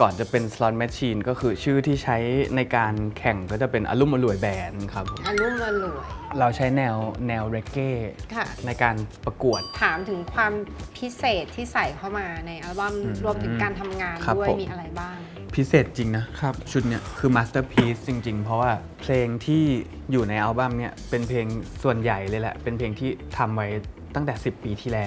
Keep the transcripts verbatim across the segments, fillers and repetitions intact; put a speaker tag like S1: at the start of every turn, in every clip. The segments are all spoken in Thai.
S1: ก่อนจะเป็น Slot Machine ก็คือชื่อที่ใช้ในการแข่งก็จะเป็นอลุ่มอล่วยแบนด์ครับ
S2: อลุ่มอล่วย
S1: เราใช้แนวแนวเรเก้
S2: ค่ะ
S1: ในการประกวด
S2: ถามถึงความพิเศษที่ใส่เข้ามาในอัลบั้ม
S1: อืม
S2: รวมถึงการทำงาน
S1: ครับ
S2: ด้วย
S1: ผม
S2: มีอะไรบ้าง
S1: พิเศษจริงนะครับชุดเนี้ยคือ Masterpiece จริง ๆ เพราะว่าเพลงที่อยู่ในอัลบั้มเนี่ยเป็นเพลงส่วนใหญ่เลยแหละ เป็นเพลงที่ทำไว้ตั้งแต่ สิบ ปีที่แล้ว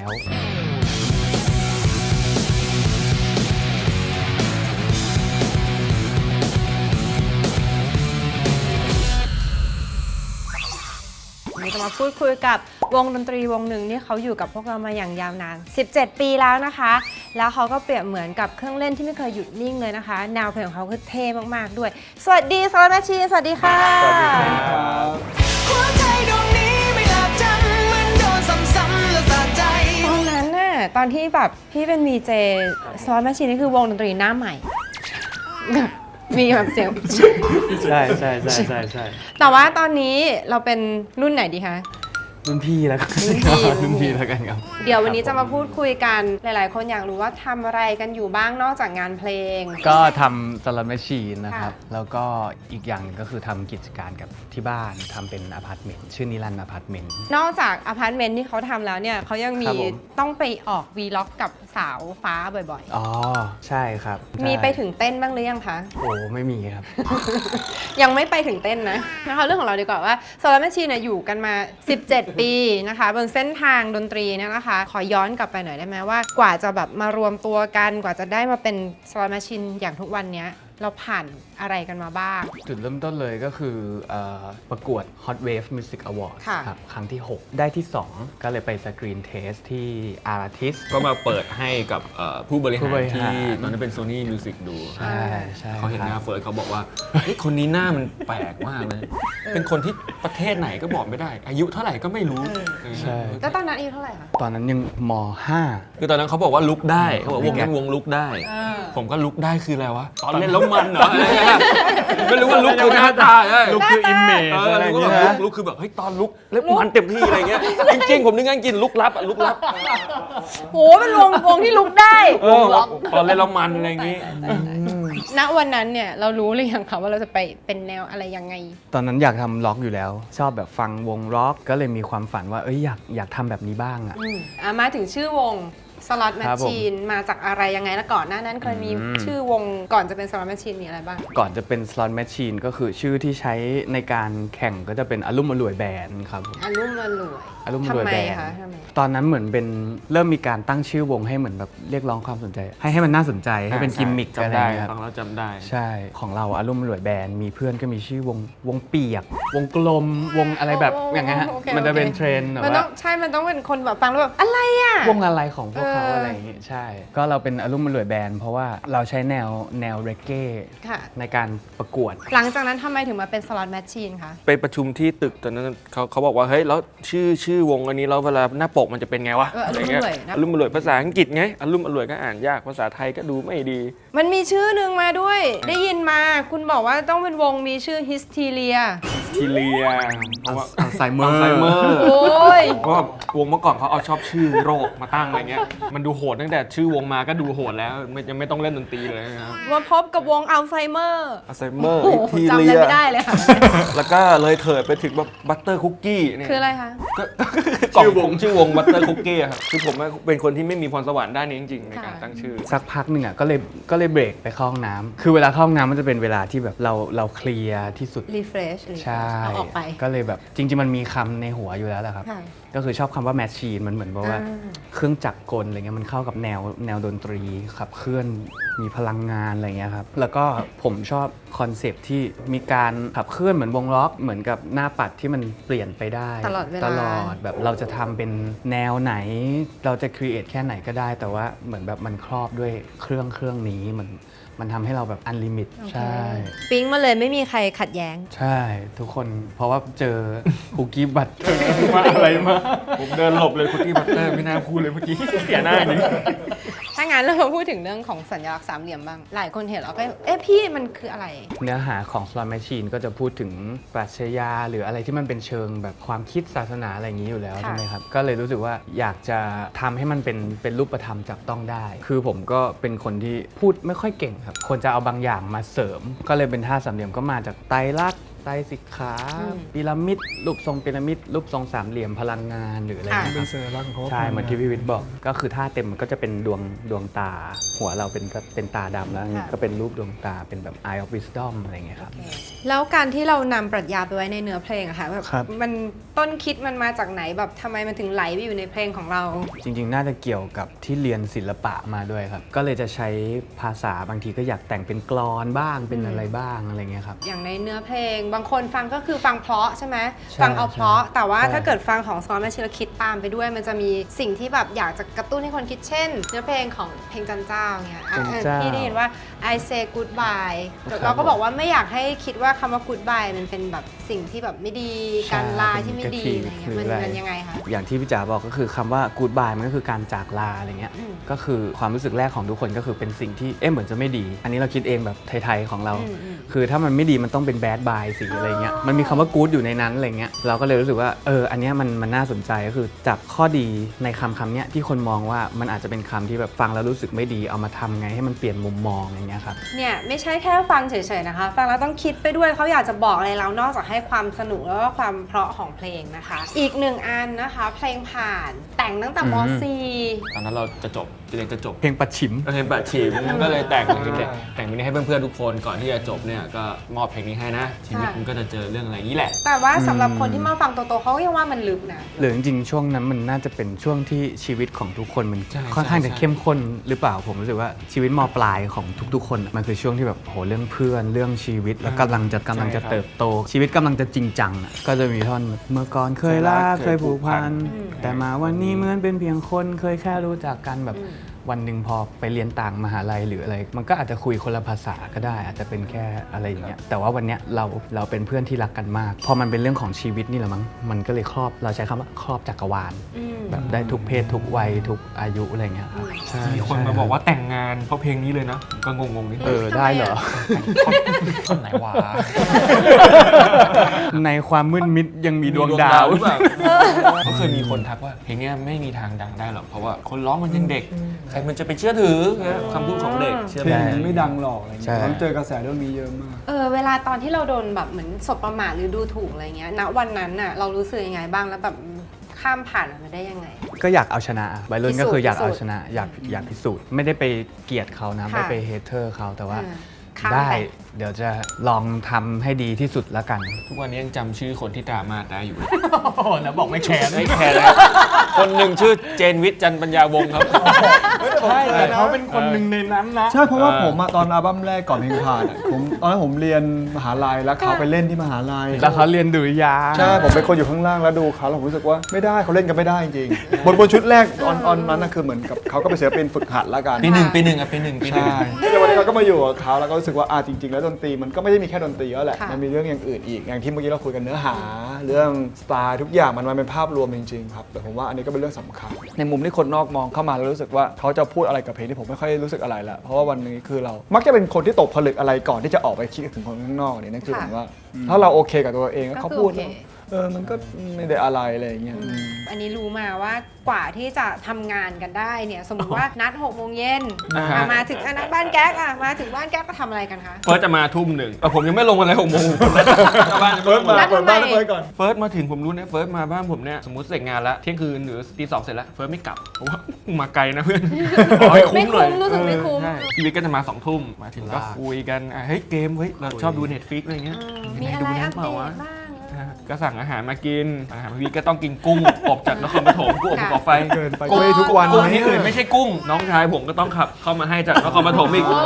S2: วันนี้จะมาพูดคุยกับวงดนตรีวงหนึ่งที่เขาอยู่กับพวกเรามาอย่างยาวนาน สิบเจ็ด ปีแล้วนะคะ แล้วเขาก็เปรียบเหมือนกับเครื่องเล่นที่ไม่เคยหยุดนิ่งเลยนะคะ แนวเพลงของเขาคือเท่มากๆด้วย สวัสดีSlot Machine สวัสดีค่ะสวัสดีครับหัวใจดวงนี้ไม่หลับจำเหมือนโดนซ้ำๆแล้วสะใจตอนนั้นน่ะตอนที่แบบพี่เป็นวีเจ Slot Machine นี่คือวงดนตรีหน้าใหม่ มีแบบเสียง
S1: ใช่ใช่ใช่ใช่ใช่
S2: แต่ว่าตอนนี้เราเป็นรุ่นไหนดีคะ
S1: รุ่นพี่แล้วกัน
S2: รุ่นพี่
S1: รุ่นพี่แล้วกันครับ
S2: เดี๋ยววันนี้จะมาพูดคุยกันหลาย ๆ คนอยากรู้ว่าทำอะไรกันอยู่บ้างนอกจากงานเพลง
S1: ก็ทำ Slot Machine นะครับ
S2: ค่ะ
S1: แล้วก็อีกอย่างหนึ่งก็คือทำกิจการกับที่บ้านทำเป็นอพาร์ตเมนต์ชื่อนิรันดร์อพาร์ตเมนต์
S2: นอกจากอพาร์ตเมนต์ที่เขาทำแล้วเนี่ยเขายังมี
S1: ครับผม
S2: ต้องไปออกวีล็อกกับสาวฟ้าบ่อย
S1: อ๋อ ใช่ครับ
S2: ๆ มีไปถึงเต้นบ้างหรือยังคะ
S1: โอ้ไม่มีครับ
S2: ยังไม่ไปถึงเต้นนะนะคะเรื่องของเราดีกว่าว่า Slot Machine เนี่ยอยู่กันมา สิบเจ็ด ปีนะคะบนเส้นทางดนตรีเนี่ยนะคะ ขอย้อนกลับไปหน่อยได้ไหมว่ากว่าจะแบบมารวมตัวกันกว่าจะได้มาเป็น Slot Machine อย่างทุกวันเนี้ยเราผ่านอะไรกันมาบ้าง
S1: จุดเริ่มต้นเลยก็คือเออประกวด Hot Wave Music Award
S2: ค่ะ
S1: ครับครั้งที่ หก ได้ที่ สอง ก็เลยไปสกรีนเทสที่ Artist
S3: ก็มาเปิดให้กับเอ่อผู้บริ
S1: ผู้
S3: หา
S1: บ
S3: ร
S1: ริหาร
S3: ที่ตอนนั้นเป็น Sony Music ดู
S1: ใช่ใช่
S3: เขาเห็นหน้า
S1: ครับ
S3: เฟิร์สเขาบอกว่าเฮ้ยคนนี้หน้ามันแปลกมากเลย เป็นคนที่ประเทศไหนก็บอกไม่ได้ อายุเท่าไหร่ก็ไม่รู้
S1: ใช่
S2: แล้วตอนนั้นอายุเท่าไหร่คะ
S1: ตอนนั้นยังม ห้า
S3: คือตอนนั้นเขาบอกว่าลุกได้เขาบอกวงนั้นวงลุกได้ ผมก็ลุกได้คืออะไรวะ ตอนเล่นแล้วมันเหรออะไรเงี้ยไม่รู้ว่าลุกคือหน้าตาใช่
S1: ลุกคือ Image
S3: เออ
S1: อะไรอ
S3: ลุ
S1: ย่าก ง
S3: ก็
S1: เงี้
S3: แบบ
S1: ย
S3: ลุกลุกคือแบบเฮ้ยตอนลุกเล็บมันเต็มที่อะไรเงี้ยจริงๆผมนึกงั้นกินลุกลับอะลุกลับ
S2: โหเป็นวงวงที่ลุกได้
S3: เออตอนเล่นแล้วมันอะไรอย่างงี้
S2: ณวันนั้นเนี่ยเรารู้หรือยังคะว่าเราจะไปเป็นแนวอะไรยังไง
S1: ตอนนั้นอยากทำล็อกอยู่แล้ว ชอบแบบฟังวงล็อกก็เลยมีความฝันว่าเอ้ยอยากอยากทำแบบนี้บ้างอะ
S2: อ่ะมาถึงชื่อวง Slot
S1: ครับผม
S2: Machine มาจากอะไรยังไงแล้วก่อนหน้านั้นเคยมี
S1: อืม
S2: ชื่อวงก่อนจะเป็น Slot Machine มีอะไรบ้าง
S1: ก่อนจะเป็น Slot Machine ก็คือชื่อที่ใช้ในการแข่งก็จะเป็นอลุ่มอล่วยแบนด์ครับผม
S2: อลุ่มอล่วย
S1: อลุ่มอล่วย
S2: ทำไม
S1: แบนด์
S2: คะทำไม
S1: ตอนนั้นเหมือนเป็นเริ่มมีการตั้งชื่อวงให้เหมือนแบบเรียกร้องความสนใจ ให้ให้มันน่าสนใจให้เป็นกิมมิคอะไร
S3: จำได้
S1: เงี้ยครับ
S3: ฟังแล้วจำได้
S1: ใช่ของเราอลุ่มอล่วยแบนด์มีเพื่อนก็มีชื่อวงวงเปียก วงกลมวงอะไรแบบ
S2: โอ้
S1: อย่างเงี้ยฮะ
S2: โอเค
S1: มันจะเป็น
S2: โอเค
S1: เทรนด์แบบ
S2: มันต้อ
S1: ว่า
S2: งใช่มันต้องเป็นคนแบบฟังแล้วแบบอะไรอ่ะ
S1: วงอะไรของพวกเขา
S2: เอออ
S1: อะไรอย่างเงี้ยใช่ ก็เราเป็นอลุ่มอล่วยแบนด์เพราะว่าเราใช้แนวแนวเรเก้
S2: ค่ะ
S1: ในการประกวด
S2: หลังจากนั้นทำไมถึงมาเป็น Slot Machine คะ
S3: ไปประชุมที่ตึกตอนนั้นเขาเขาบอกว่าเฮ้ยแล้วชื่อชื่อวงอันนี้แล้วเวลาหน้าปกมันจะเป็นไงวะ
S2: เอออลุ่มอร่วยนะ
S3: อลุ่มอร่วยภาษาอังกฤษไงอลุ่มอร่วยก็อ่านยากภาษาไทยก็ดูไม่ดี
S2: มันมีชื่อหนึ่งมาด้วย ได้ยินมาคุณบอกว่าต้องเป็นวงมีชื่อ Hysteria
S3: ทีเลียเพราะว่า
S1: อัลไซเมอ
S3: อั
S1: ร์
S3: ลไซเมอร์
S2: โอ้ย
S3: เพราะว่าวงเมื่อก่อนเขาเอาชอบชื่อโรคมาตั้งอะไรเงี้ยมันดูโหดตั้งแต่ชื่อวงมาก็ดูโหดแล้วไม่ยังไม่ต้องเล่นดนตรีเลยนะครับ
S2: มาพบกับวงอัลไซเมอร์
S3: อัลไซเมอร์
S2: โอ้โห
S3: ที
S2: จำ
S3: เลี
S2: อะไร
S3: ย
S2: ไม่ได้เลยค่ะ
S3: แล้วก็เลยเถิดไปถึงแบบบัตเตอร์คุกกี้เนี่ย
S2: คืออะไรคะ
S3: ชื่อวงชื่อวงบัตเตอร์คุกกี้ครับคือผมเป็นคนที่ไม่มีพรสวรรค์ด้านนี้จริงๆในการตั้งชื่อ
S1: สักพักหนึ่งอ่ะก็เลยก็เลยเบรกไปเข้าห้องน้ำคือเวลาเข้าห้องน้ำมันจะเป็นเวลาที่แบบเราเราเคลียร์ที่สุด
S2: Refresh
S1: ใช่
S2: เอาออกไป
S1: ก็เลยแบบจริง ๆ มันมีคำในหัวอยู่แล้วแหละครับ
S2: ค่ะ
S1: ก็คือชอบคำว่าแมชชีนมันเหมือนแบบว่า
S2: อ่า
S1: เครื่องจักรกลอะไรเงี้ยมันเข้ากับแนวแนวดนตรีขับเคลื่อนมีพลังงานอะไรเงี้ยครับแล้วก็ผมชอบคอนเซปต์ที่มีการขับเคลื่อนเหมือนวงล็อกเหมือนกับหน้าปัดที่มันเปลี่ยนไปได้
S2: ตลอดเวลา
S1: ตลอดแบบเราจะทำเป็นแนวไหน เราจะครีเอทแค่ไหนก็ได้ แต่ว่าเหมือนแบบมันครอบด้วยเครื่องเครื่องนี้มันมันทำให้เราแบบอันลิมิตใช่
S2: ปิ๊งมาเลยไม่มีใครขัดแย้ง
S1: ใช่ทุกคนเพราะว่าเจอคุกกี้บัตรมาอะไรมา
S3: ผมเดินหลบเลยคุกกี้บัตเตอร์ไม่น่าพูดเลยเมื่อกี้เสียหน้าจริง
S2: ถ้างั้นงั้นเรามาพูดถึงเรื่องของสัญลักษณ์สามเหลี่ยมบ้างหลายคนเห็นแล้วก็เอ๊ะพี่มันคืออะไร
S1: เนื้อหาของ Slot Machine ก็จะพูดถึงปรัชญาหรืออะไรที่มันเป็นเชิงแบบความคิดศาสนาอะไรอย่างนี้อยู่แล้วใช่ไหมครับก็เลยรู้สึกว่าอยากจะทำให้มันเป็นเป็นรูปธรรมจับต้องได้คือผมก็เป็นคนที่พูดไม่ค่อยเก่งครับควรจะเอาบางอย่างมาเสริมก็เลยเป็นท่าสามเหลี่ยมก็มาจากไตรลักษณ์ไตรสิกขาพีระมิดรูปทรงพีระมิดรูปทรงสามเหลี่ยมพลังงานหรืออะไรอย่างเงี้ย
S4: เป็นสัญลักษณ์ของเขา
S1: ใช่เหมือนที่พี่วิทย์บอกก็คือท่าเต็มมันก็จะเป็นดวงดวงตา หัวเราเป็นก็เป็นตาดำแล้วก็เป็นรูปดวงตาเป็นแบบ Eye of Wisdom อะไรอย่างเงี้ยครับ
S2: แล้วการที่เรานำปรัชญาไปไว้ในเนื้อเพลงอะค่ะแบบ
S1: ครับ
S2: มันต้นคิดมันมาจากไหนแบบทำไมมันถึงไหลไปอยู่ในเพลงของเรา
S1: จริงๆ น่าจะเกี่ยวกับที่เรียนศิลปะมาด้วยครับก็เลยจะใช้ภาษาบางทีก็อยากแต่งเป็นกลอนบ้างเป็นอะไรบ้างอะไรเงี้ยครับ
S2: อย่างในเนื้อเพลงบางคนฟังก็คือฟังเพราะใช่ไหม
S1: ใช่
S2: ฟังเอาเพราะ
S1: ใช่
S2: แต่ว่า
S1: ใช่
S2: ถ้าเกิดฟังของซอนแมชชีนคิดตามไปด้วย มันจะมีสิ่งที่แบบอยากจะกระตุ้นให้คนคิดเช่น เนื้อเพลงของเพลงจันเจ้าเนี่ยอ่ะ
S1: จันเจ้า
S2: พี่ได้ยินว่า I say goodbye
S1: ครับ
S2: เราก็บอกว่าไม่อยากให้คิดว่าคำว่า goodbye มันเป็นแบบสิ่งที่แบบไม่ดีการลาที่ไม่ดีอะไรเงี้ยมันมันยังไงคะ
S1: อย่างที่พี่จ๋าบอกก็คือคำว่า goodbye มันก็คือการจากลาอะไรเงี้ย
S2: อืม
S1: ก็คือความรู้สึกแรกของทุกคนก็คือเป็นสิ่งที่เอ๊ะเหมือนจะไม่ดี อันนี้เราคิดเองแบบไทยๆของเรา
S2: อืมอืม
S1: คือถ้ามันไม่ดีมันต้องเป็น bad bye สิอะไรเงี้ยมันมีคำว่า good อยู่ในนั้นอะไรเงี้ยเราก็เลยรู้สึกว่าเอออันเนี้ยมันมันน่าสนใจก็คือจับข้อดีในคำคำเนี้ยที่คนมองว่ามันอาจจะเป็นคำที่แบบฟังแล้วรู้สึกไม่ดีเอามาทำไงให้มันเปลี่ยนมุมมองอย่างเงี้ยครับ
S2: เนี่ยไม่ใช่แค่ฟังเฉยๆนะคะ ฟังแล้วต้องคิดไปด้วยเขาอยากจะบอกอะไรเรานอกจากให้ความสนุกแล้วก็ความเพราะของเพลงนะคะ อีกหนึ่งอันนะคะ เพลงผ่านแต่งตั้งแต่ม
S1: อืม .
S2: สี่
S3: ตอนนั้นเราจะจบเรียนจะจบ
S1: เพลงปัดฉิม
S3: ก็เพลงปัดฉิมก็เลยแต่งเพลงนี้แต่งเพลงนี้ให้เพื่อนๆทุกคนก่อนที่จะจบเนี่ยก็มอบเพลงนี้ให้นะชีวิตมันก็จะเจอเรื่องอะไรอย่างนี้แหละ
S2: แต่ว่าสำหรับคนที่มาฟังโตๆเขาก็ยังว่ามันลึกนะ
S1: หรือจริงๆช่วงนั้นมันน่าจะเป็นช่วงที่ชีวิตของทุกคนมัน
S3: ใช่
S1: ค่อนข้าง
S3: ใช่
S1: จะเข้มข้นหรือเปล่าผมรู้สึกว่าชีวิตมปลายของทุกๆ คนอะมันคือช่วงที่แบบโหเรื่องเพื่อนเรื่องชีวิตแล้วกำลังจะกำลังจะเติบโต ชีวิตกำลังจะจริงจังอะก็จะมีท่อนเมื่อก่อนเคยรักเคยผูกพัน
S2: อืม
S1: แต่มาวันนี้เหมือนเป็นเพียงคนเคยแค่รู้จักกันแบบวันหนึ่งพอไปเรียนต่างมหาลัยหรืออะไร มันก็อาจจะคุยคนละภาษาก็ได้ อาจจะเป็นแค่อะไรอย่างเงี้ยแต่ว่าวันเนี้ยเราเราเป็นเพื่อนที่รักกันมากพอมันเป็นเรื่องของชีวิตนี่แหละมั้งมันก็เลยครอบเราใช้คำว่าครอบจักรวาล
S2: อืม
S1: แบบได้ทุกเพศทุกวัยทุกอายุอะไรเงี้ยครับใช่
S3: มีคนมาบอกว่าแต่งงานเพราะเพลงนี้เลยนะก็งงๆนิด
S1: เออได้เหรอ
S3: คนไหนวะ
S1: ในความมืดมิดยังมีดวงดาว
S3: หรือเปล่าเขาเคยมีคนทักว่าเพลงนี้ไม่มีทางดังได้หรอกเพราะว่าคนร้องมันยังเด็กใครมันจะไปเชื่อถือคำพูดของเด็กเชื่อ
S4: เพล
S3: ไหม
S4: งไม่ดังหรอกอะไร
S1: ใช่
S4: เงี้ยผมเจอกระแสเรื่องนี้เยอะมาก
S2: เออเวลาตอนที่เราโดนแบบเหมือนสบประมาทหรือดูถูกอะไรเงี้ยณวันนั้นน่ะเรารู้สึกยังไงบ้างแล้วแบบข้ามผ่านมันมาได้ยังไง
S1: ก็อยากเอาชนะวัยรุ่นก็คืออยากเอา
S2: พิสูจน์
S1: ชนะอยากอยากพิสูจน์ไม่ได้ไปเกลียดเขานะ
S2: ค่ะ
S1: ไม่ไปเฮเทอร์เขาแต่ว่า
S2: เออข้าม
S1: ได้
S2: ไป
S1: เดี๋ยวจะลองทำให้ดีที่สุดแล้วกัน
S3: ทุกวันนี้ยังจำชื่อคนที่ดราม่าได้อยู่
S1: แล้วบอกไม่แคร์
S3: ไม่แคร์แล้วคนหนึ่งชื่อเจนวิทย์จันทร์ปัญญาวงศ์ครับ
S1: ใช่แต่เขาเป็นคนหนึ่งในนั้นนะ
S4: ใช่เพราะว่า
S3: เออ
S4: ผมอะตอนอัลบั้มแรกก่อนเพลงผ่านอะผมตอนนั้นผมเรียนมหาลัยแล้วเขาไปเล่นที่มหาลัย
S1: แล้วเขาเรียนดุริยางค์
S4: ใช่ผมเป็นคนอยู่ข้างล่างแล้วดูเขาแล้วผมรู้สึกว่าไม่ได้เขาเล่นกันไม่ได้จริงๆบนบนชุดแรกออนออนนั้นน่ะคือเหมือนกับเขาก็ไปเสียเป็นฝึกหัดละกัน
S3: ปีหนึ่งปีหนึ่งอ่ะปีหนึ่งปีหนึ่ง
S4: ใช่แต่วันนี้เราก็มาอยู่กับเขาแล้วก็รู้สึกว่าอ่าจริง ๆ แล้วดนตรีมันก็ไม่ได้มีแค่ดนตรีแล้วแหละ
S2: ค่ะ
S4: มันมีเรื่องอย่างอื่นอีกอย่างที่เมื่อกี้เราคุยกันเนื้อหา เรื่องสไตล์ทุกอย่างมันมันเป็นภาพรวมจริงๆครับแต่ผมว่าอันนี้ก็เป็นเรื่องสำคัญในมุมที่คนนอกมองเข้ามาแล้วรู้สึกว่าเขาจะพูดอะไรกับเพลงที่ผมไม่ค่อยรู้สึกอะไรละเพราะว่าวันนี้คือเรา มักจะเป็นคนที่ตกผลึกอะไรก่อนที่จะออกไปคิดถึงคนข้างนอกเนี่ยนั่นคือผมว่าถ้าเราโอเคกับตัวเองแล้วเขาพูดแล้วเออมันก็ไม่ได้อะไรอะไรอย่างเงี้ยอืม
S2: อันนี้รู้มาว่ากว่าที่จะทำงานกันได้เนี่ยสมมติว่านัดหกโมงเย็น
S3: อ่าฮะ
S2: อ่ะมาถึงอ่ะนัดบ้านแก๊กอ่ะมาถึงบ้านแก๊กก็ทำอะไรกันคะ
S3: เฟิร์สจะมาทุ่มหนึ่งแต่ผมยังไม่ลงอะไรหกโมงผมนัดบ้าน
S4: เฟิร์สมา
S2: แล้วทำไม
S4: เปิดบ้านให้เฟิร์สก่อน
S3: เฟิร์สมาถึงผมรู้นะเฟิร์สมาบ้านผมเนี่ยสมมติเสร็จงานแล้วเที่ยงคืนหรือตีสองเสร็จแล้วเฟิร์สไม่กลับเพราะว่ามาไกลนะเพื่อนขอให้
S2: ไม่
S3: หน่อย
S2: คุ้มรู้สึกไม่คุ้ม
S3: ใช่ชีวิตก็จะมาสองทุ่มมาถึงก็
S1: ลา
S3: คุยกันอ่ะเฮ้ยเกมเฮ้ยเราชอบดู Netflix อะไรเงี้ย
S2: มี
S3: ไหน
S2: อะ
S3: ดู
S2: ไร
S3: นั้
S2: อั
S3: น
S2: ป
S3: เป
S2: เด
S3: ล่า
S2: ต
S3: วะ
S2: บ้าง
S3: อ่ะก็สั่งอาหารมากินอาหารพี่ก็ต้องกินกุ้งอบจากนครปฐมกุ้งอบภูเขาไฟ
S4: เกินไปก็ไม่ทุกวัน
S3: กุ้ง
S4: ไหม
S3: ที่อื่นไม่ใช่กุ้ง น้องชายผมก็ต้องขับเข้ามาให้จากนครปฐมอีก
S2: โอ้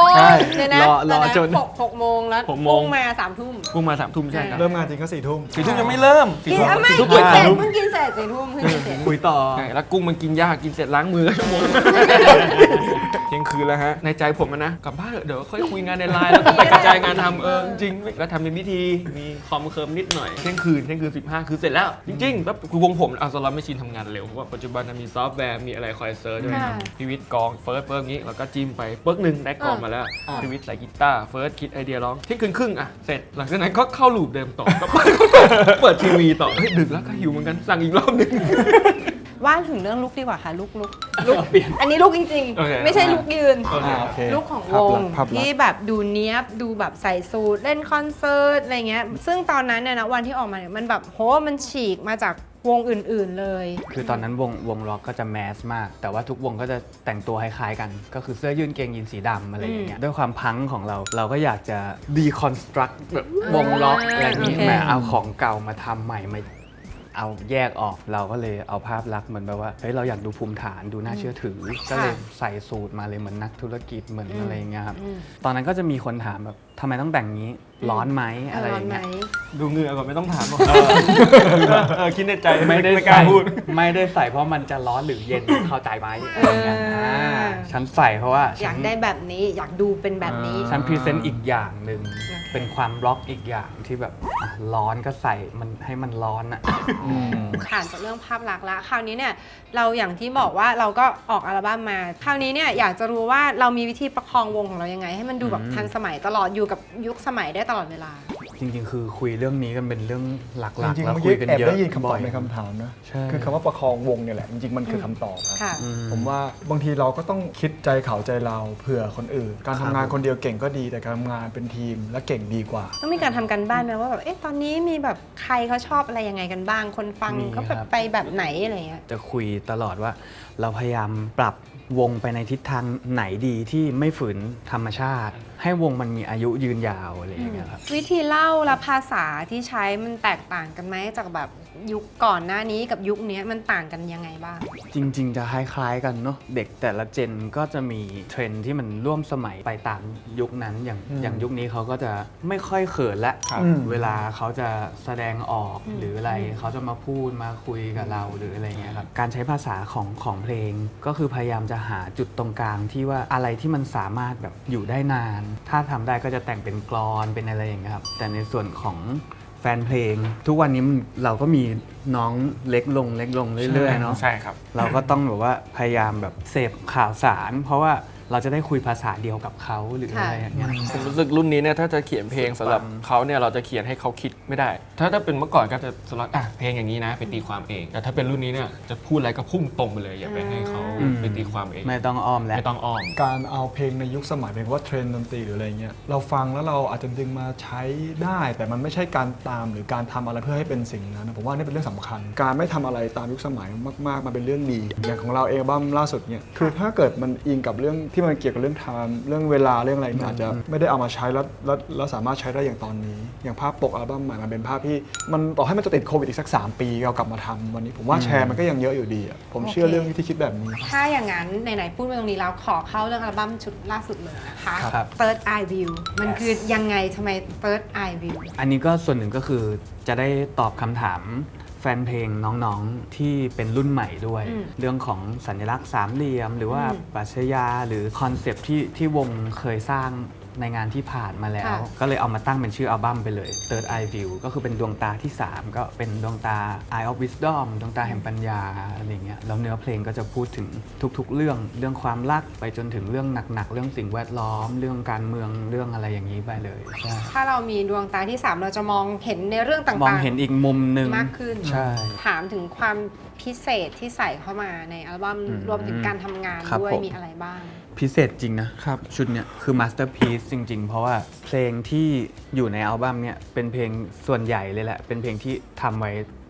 S2: ง
S3: ใช่
S2: เดี๋ยวนะ
S1: รอรอ
S2: เดี๋ยวะ
S1: จน
S2: หกหกโมงแล้ว
S3: หกโมง
S2: พุ่งมาสามทุ่ม
S3: พุ่งมาสามทุ่มใช่ครับ
S4: เริ่มงานจริงก็สี่ทุ่ม
S3: สี่ทุ่มยังไม่เริ่มสี่
S2: กิน
S3: ทุ่ม
S2: อ่ะไม่
S3: สี่ทุ่ม
S2: กิ
S3: เปิ
S2: น
S3: ด
S2: เสร็จ
S3: ทุ่ม
S2: เพิ่งกินเสร็จสี่ทุ่มเพิ่งกินเสร็จ
S1: คุยต่อ
S3: ใช่แล้วกุ้งมันกินยากกินเสร็จล้างมือชั่วโมงเที่ยงคืนแล้วฮะในใจผมอะนะกลับบ้านเถอะเดี๋ยวค่อยคุยงานในไลน์แล้วก็ไปกระจายงานทำเออจริงๆแล้วทำเป็นพิธีมีคอมเคิร์มนิดหน่อยเที่ยงคืนเที่ยงคืนสิบห้าคือเสร็จแล้วจริงๆแล้วคือวงผมเอาสล็อตไม่ชินทำงานเร็วเพราะว่าปัจจุบันมีซอฟต์แวร์มีอะไรคอยเซิร์ชด้วยครับพีวิทย์กองเฟิร์สเฟิร์สงี้แล้วก็จิ้มไปเปิ๊กหนึ่งได้กองมาแล้วพีวิทย์ใส่กีตาร์เฟิร์สคิดไอเดียร้องเที่ยงคืนครึ่งอ่ะเสร็จหลังจากนั้นก็เข้าลูปเดิมต่อก็เปิดทีวีต่อเฮ้ยดึกแล้วก็หิวเหมือนกันสั่งอีกรอบนึง
S2: ว่าถึงเรื่องลุกดีกว่าค่ะลุกลุกลุกอันนี้ลุกจริง
S3: โอเค
S2: ๆ ไม่ใช่ลุกยืน
S3: โอเค
S4: อ่าโอเค
S2: ลุกของ
S4: ภาว พ
S2: ง
S4: ลักษณ์ภาพลักษณ์
S2: ที่แบบดูเนี้ยบดูแบบใส่สูทเล่นคอนเสิร์ตอะไรเงี้ยซึ่งตอนนั้นเนี่ยนะวันที่ออกมาเนี่ยมันแบบโหมันฉีกมาจากวงอื่นๆเลย
S1: คือตอนนั้นวงวงล็อกก็จะแมสมาก แต่ว่าทุกวงก็จะแต่งตัวคล้ายๆกัน ก็คือเสื้อยืดเกงยีนสีดำอะไรอย่างเงี้ยด้วยความพังของเราเราก็อยากจะดีคอนสตรักแบบวงล็อกอะไรอย่างงี้
S2: โอเค
S1: มาเอาของเก่ามาทำใหม่มาเอาแยกออกเราก็เลยเอาภาพลักษณ์เหมือนแบบว่าเฮ้ยเราอยากดูภูมิฐานดูน่าเชื่อถือ ก็เลยใส่สูตรมาเลยเหมือนนักธุรกิจเหมือนอะไรอย่างเงี้ยครับตอนนั้นก็จะมีคนถามแบบทำไมต้องแต่งงี้ร้อนไหมอะไรอย่างเงี้ย
S3: ดูเหงื่อก่อนไม่ต้องถามหรอกเออคิดในใจ
S1: ไม่ได้
S3: กล้า
S1: ใส่
S3: พูด
S1: ไม่ได้ใส่เพราะมันจะร้อนหรือเย็น เข้าใจไหมอะไรอย่างเงี้ย
S2: เอออ่
S1: าฉันใส่เพราะว่า
S2: อยากได้แบบนี้อยากดูเป็นแบบนี้
S1: ฉันพรีเซนต์อีกอย่างหนึ่ง
S2: โอเค
S1: เป็นความร็อกอีกอย่างที่แบบอ่ะร้อนก็ใส่มันให้มันร้อนอ่ะ
S2: ผ่านจากเรื่องภาพลักษณ์แล้วคราวนี้เนี่ยเราอย่างที่บอกว่าเราก็ออกอัลบั้มมา คราวนี้เนี่ยอยากจะรู้ว่าเรามีวิธีประคองวงของเรายังไง ให้มันดูแบบ
S1: อืม
S2: ทันสมัยตลอดอยู่กับยุคสมัยได้ตลอดเวลา
S1: จริงๆ คือคุยเรื่องนี้กันเป็นเรื่องหลั
S4: จ
S1: ก
S4: ริ
S1: ๆ
S4: งๆ
S1: แล้ว
S4: เมื่อ
S1: คุ
S4: กี้
S1: ยกัน
S4: แอบ
S1: เยอะ
S4: ได้ยินคำต
S1: บ่
S4: อบ
S1: อย
S4: ในคำถามนะ
S1: ใช่
S4: คือคำว่าประคองวงเนี่ยแหละจริงๆมันคือคำตอบครับ
S2: ค่ะ
S1: อืม
S4: ผมว่าบางทีเราก็ต้องคิดใจเขาใจเราเผื่อคนอื่น การทำงานคนเดียวเก่งก็ดีแต่การทำงานเป็นทีมและเก่งดีกว่า
S2: ต้องมีการทำกันบ้านไหมว่าแบบเอ๊ะตอนนี้มีแบบใครเขาชอบอะไรยังไงกันบ้าง คนฟัง
S1: มี
S2: เขาแบบ
S1: ครับ
S2: ไปแบบไหนอะไรเงี้ย
S1: จะคุยตลอดว่าเราพยายามปรับวงไปในทิศทางไหนดีที่ไม่ฝืนธรรมชาติ ให้วงมันมีอายุยืนยาวอะไรอย่างเงี้ยครับ
S2: วิธีเล่าและภาษาที่ใช้มันแตกต่างกันไหมจากแบบยุคก่อนหน้านี้กับยุคนี้มันต่างกันยังไงบ้าง
S1: จริงๆ จะคล้ายๆกันเนาะเด็กแต่ละเจนก็จะมีเทรนด์ที่มันร่วมสมัยไปตามยุคนั้นอย่าง
S4: อืม
S1: อย่างยุคนี้เขาก็จะไม่ค่อยเขินละ
S4: ครับ
S1: เวลาเขาจะแสดงออกหรืออะไรเขาจะมาพูดมาคุยกับเราหรืออะไรเงี้ยครับการใช้ภาษาของของเพลงก็คือพยายามจะหาจุดตรงกลางที่ว่าอะไรที่มันสามารถแบบอยู่ได้นาน ถ้าทำได้ก็จะแต่งเป็นกลอนเป็นอะไรอย่างเงี้ยครับแต่ในส่วนของแฟนเพลง ทุกวันนี้มันเราก็มีน้องเล็กลงเล็กลงเรื่อยๆเนาะ
S3: ใช่ครับ
S1: เราก็ต้องแบบว่าพยายามแบบเสพข่าวสาร เพราะว่าเราจะได้คุยภาษาเดียวกับเขาหรืออะไรอย่างเงี้ย
S3: ผมรู้สึกรุ่นนี้เนี่ยถ้าจะเขียนเพลงสำหรับเขาเนี่ยเราจะเขียนให้เขาคิดไม่ได้ ถ้าถ้าเป็นเมื่อก่อนก็จะสำหรับอ่ะเพลงอย่างนี้นะไปตีความเอง แต่ถ้าเป็นรุ่นนี้เนี่ยจะพูดอะไรก็พุ่งตรงไปเลยอย่าไปให้เขา
S1: อืม
S3: ไปตีความเอง
S1: ไม่ต้องอ้อมแล้ว
S3: ไม่ต้องอ้อม
S4: การเอาเพลงในยุคสมัยเป็นว่าเทรนด์ดนตรีหรืออะไรเงี้ยเราฟังแล้วเราอาจจะดึงมาใช้ได้ แต่มันไม่ใช่การตามหรือการทำอะไรเพื่อให้เป็นสิ่งนั้นนะผมว่านี่เป็นเรื่องสำคัญ การไม่ทำอะไรตามยุคสมัยมากๆมันเป็นเรื่องดี อย่างของเราเองอัลบั้มล่าสุดเนี่ยคือถ้าเกิดมันอิงกับเรื่องที่มันเกี่ยวกับเรื่องไทม์เรื่องเวลาเรื่องอะไรมันอาจจะไม่ได้เอามาใช้แล้วแล้วแล้วสามารถใช้ได้อย่างตอนนี้ อย่างภาพปกอัลบั้มใหม่มันเป็นภาพที่มันต่อให้มันจะติดโควิดอีกสักสามปีเรากลับมาทำวันนี้ผมว่าแชร์มันก็ยังเยอะอยู่ดีอะผมเชื่อเรื่องที่คิดแบบนี้
S2: ถ้าอย่างนั้นไหนๆพูดมาตรงนี้แล้วขอเข้าเรื่องอัลบั้มชุดล่าสุดเลยนะคะ
S1: ครับ
S2: Third Eye View มันคือยังไงทำไม Third Eye View
S1: อันนี้ก็ส่วนหนึ่งก็คือจะได้ตอบคำถามแฟนเพลงน้องๆที่เป็นรุ่นใหม่ด้วย
S2: อืม
S1: เรื่องของสัญลักษณ์สามเหลี่ยม หรือว่า
S2: อืม
S1: ปรัชญาหรือคอนเซปต์ที่ที่วงเคยสร้างในงานที่ผ่านมาแล้ว
S2: ค่ะ
S1: ก็เลยเอามาตั้งเป็นชื่ออัลบั้มไปเลย Third Eye View ก็คือเป็นดวงตาที่ สาม ก็เป็นดวงตา Eye of Wisdom ดวงตาแห่งปัญญาอะไรเงี้ยแล้วเนื้อเพลงก็จะพูดถึงทุกๆ เรื่องเรื่องความรักไปจนถึงเรื่องหนักๆเรื่องสิ่งแวดล้อม เรื่องการเมืองเรื่องอะไรอย่างนี้ไปเลยใช่
S2: ถ้าเรามีดวงตาที่ สาม เราจะมองเห็นในเรื่องต่างๆ
S1: มองเห็นอีกมุมหนึ่ง
S2: มากขึ้น
S1: ใช่
S2: ถามถึงความพิเศษที่ใส่เข้ามาในอัลบั้ม
S1: อืม
S2: รวมถึงการทำงาน
S1: ครับ
S2: ด้วย
S1: ผม
S2: มีอะไรบ้าง
S1: พิเศษจริงนะครับ ชุดเนี้ยคือมาสเตอร์พีซจริง ๆ เพราะว่าเพลงที่อยู่ในอัลบั้มเนี่ยเป็นเพลงส่วนใหญ่เลยแหละ เป็นเพลงที่ทำไว้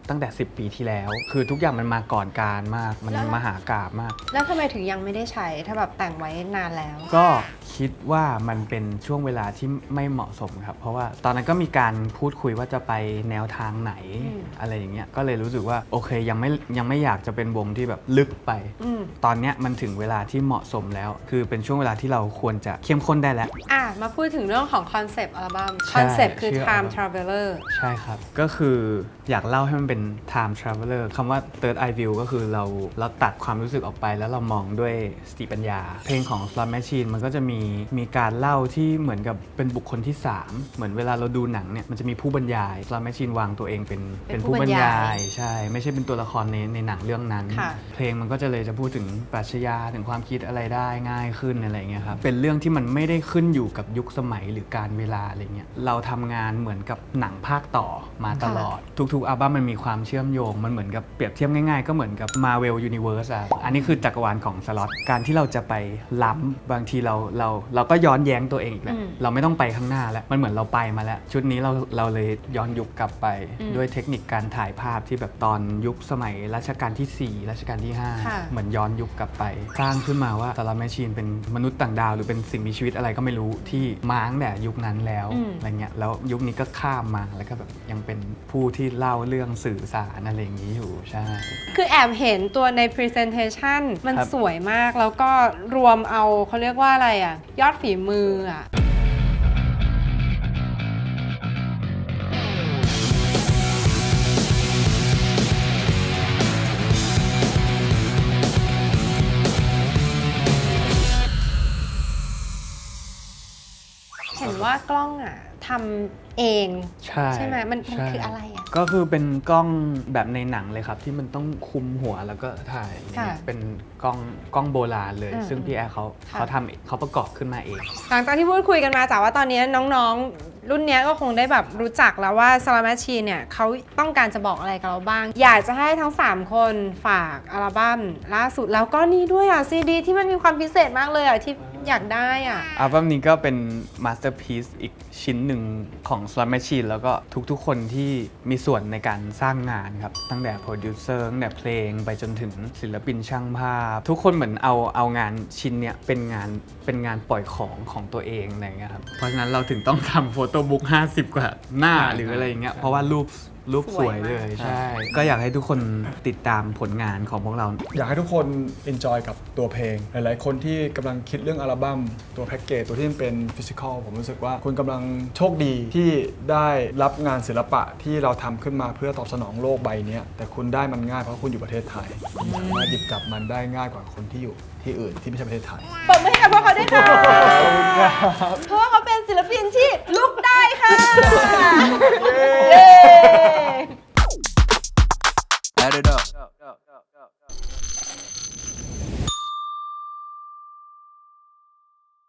S1: ตั้งแต่ สิบ ปีที่แล้ว คือทุกอย่างมันมาก่อนการมากมันมหากาพย์มาก
S2: แล้วทำไมถึงยังไม่ได้ใช้ถ้าแบบแต่งไว้นานแล้ว
S1: ก็คิดว่ามันเป็นช่วงเวลาที่ไม่เหมาะสมครับ เพราะว่าตอนนั้นก็มีการพูดคุยว่าจะไปแนวทางไหน
S2: อืม
S1: อะไรอย่างเงี้ยก็เลยรู้สึกว่าโอเคยังไม่ยังไม่อยากจะเป็นวงที่แบบลึกไป
S2: อืม
S1: ตอนเนี้ยมันถึงเวลาที่เหมาะสมแล้ว คือเป็นช่วงเวลาที่เราควรจะเข้มข้นได้แล้ว
S2: อ่ะมาพูดถึงเรื่องของคอนเซปต์อัลบั้ม
S1: ใช่
S2: คอนเซปต์คือ
S1: ชื่อ
S2: Time
S1: อัลบั้ม
S2: Traveler
S1: ใช่ครับ ก็คืออยากเล่าให้มันเป็น time traveler คำว่า third eye view ก็คือเราเราตัดความรู้สึกออกไปแล้วเรามองด้วยสติปัญญา เพลงของ Slot Machine มันก็จะมีมีการเล่าที่เหมือนกับเป็นบุคคลที่ สาม เหมือนเวลาเราดูหนังเนี่ยมันจะมีผู้บรรยาย Slot Machine วางตัวเองเป็น
S2: เป็นผู้บรรยาย
S1: ใช่ ไม่ใช่เป็นตัวละครในในหนังเรื่องนั้น
S2: ค่ะ
S1: เพลงมันก็จะเลยจะพูดถึงปรัชญาถึงความคิดอะไรได้ง่ายขึ้นอะไรเงี้ยครับ เป็นเรื่องที่มันไม่ได้ขึ้นอยู่กับยุคสมัยหรือการเวลาอะไรเงี้ย เราทำงานเหมือนกับหนังภาคต่อมาตลอด ทุกๆอัลบั้มมันมีความเชื่อมโยง มันเหมือนกับเปรียบเทียบง่ายๆ ก็เหมือนกับ Marvel Universe อะอันนี้คือจักรวาลของสล็อต การที่เราจะไปล้ำบางทีเราเราเราก็ย้อนแย้งตัวเองอีกแหละ
S2: อืม
S1: เราไม่ต้องไปข้างหน้าแล้ว มันเหมือนเราไปมาแล้ว ชุดนี้เราเราเลยย้อนยุคกลับไป
S2: อืม
S1: ด้วยเทคนิคการถ่ายภาพที่แบบตอนยุคสมัยรัชกาลที่สี่รัชกาลที่ห้า
S2: ค่ะ
S1: เหมือนย้อนยุคกลับไป สร้างขึ้นมาว่าสล็อตแมชชีนเป็นมนุษย์ต่างดาวหรือเป็นสิ่งมีชีวิตอะไรก็ไม่รู้ที่มาตั้งแต่ยุคนั้นแล้ว
S2: อืม
S1: อะไรเงี้ยแล้วยุคนี้ก็ข้ามมาแล้วก็แบบยังเป็นผู้ที่เล่าเรื่องสื่อสารอะไรอย่างนี้อยู่ใช่
S2: คือแอบเห็นตัวใน Presentation มัน
S1: ครับ
S2: สวยมากแล้วก็รวมเอาเขาเรียกว่าอะไรอ่ะ ยอดฝีมืออ่ะ เห็นว่ากล้องอ่ะทำเอง
S1: ใช่
S2: ใช่ไหมมันมัน
S1: ใช่
S2: คืออะไรอ่ะ
S1: ก็คือเป็นกล้องแบบในหนังเลยครับ ที่มันต้องคุมหัวแล้วก็ถ่ายอย่างเงี้ย
S2: ค่ะ
S1: เป็นกล้องกล้องโบราณเลย
S2: อืม
S1: ซึ่งพี่แอร์เขา
S2: ค่ะ
S1: เขาทำเขาประกอบขึ้นมาเอง
S2: หลังจากที่พูดคุยกันมาจากว่าตอนนี้น้องๆ รุ่นเนี้ยก็คงได้แบบรู้จักแล้วว่า Slot Machine เนี่ยเขาต้องการจะบอกอะไรกับเราบ้าง อยากจะให้ทั้ง สาม คนฝากอัลบั้มล่าสุดแล้วก็นี่ด้วยอ่ะซีดีที่มันมีความพิเศษมากเลยอ่ะที่อยากได้อ่ะ
S1: อัลบั้มนี้ก็เป็นมาสเตอร์พีซอีกชิ้นหนึ่งของ Slot Machine แล้วก็ทุกๆ คนที่มีส่วนในการสร้างงานครับ ตั้งแต่โปรดิวเซอร์ตั้งแต่เพลงไปจนถึงศิลปินช่างภาพ ทุกคนเหมือนเอาเอางานชิ้นเนี้ยเป็นงานเป็นงานปล่อยของของตัวเองอะไรเงี้ยครับ เพราะฉะนั้นเราถึงต้องทำโฟโต้บุ๊กห้าสิบกว่าหน้าหรืออะไรอย่างเงี้ยเพราะว่ารูปรูปสวยเลย
S2: สวยมาก
S1: ใช่ ก็อยากให้ทุกคนติดตามผลงานของพวกเรา
S4: อยากให้ทุกคน enjoy กับตัวเพลง หลายๆ คนที่กำลังคิดเรื่องอัลบั้มตัวแพ็กเกจตัวที่มันเป็นฟิสิกอลผมรู้สึกว่าคุณกำลังโชคดีที่ได้รับงานศิลปะที่เราทำขึ้นมาเพื่อตอบสนองโลกใบนี้แต่คุณได้มันง่ายเพราะคุณอยู่ประเทศไทยคุณสามารถหยิบจับมันได้ง่ายกว่าคนที่อยู่ที่อื่นที่ไม่ใช่ประเทศไทย
S2: ปรบมือให้กับพวกเขาด้วยค่ะ เพราะว่าเขาเป็นศิลปินที่ลุกได้ค่ะ เย้
S5: Add it up.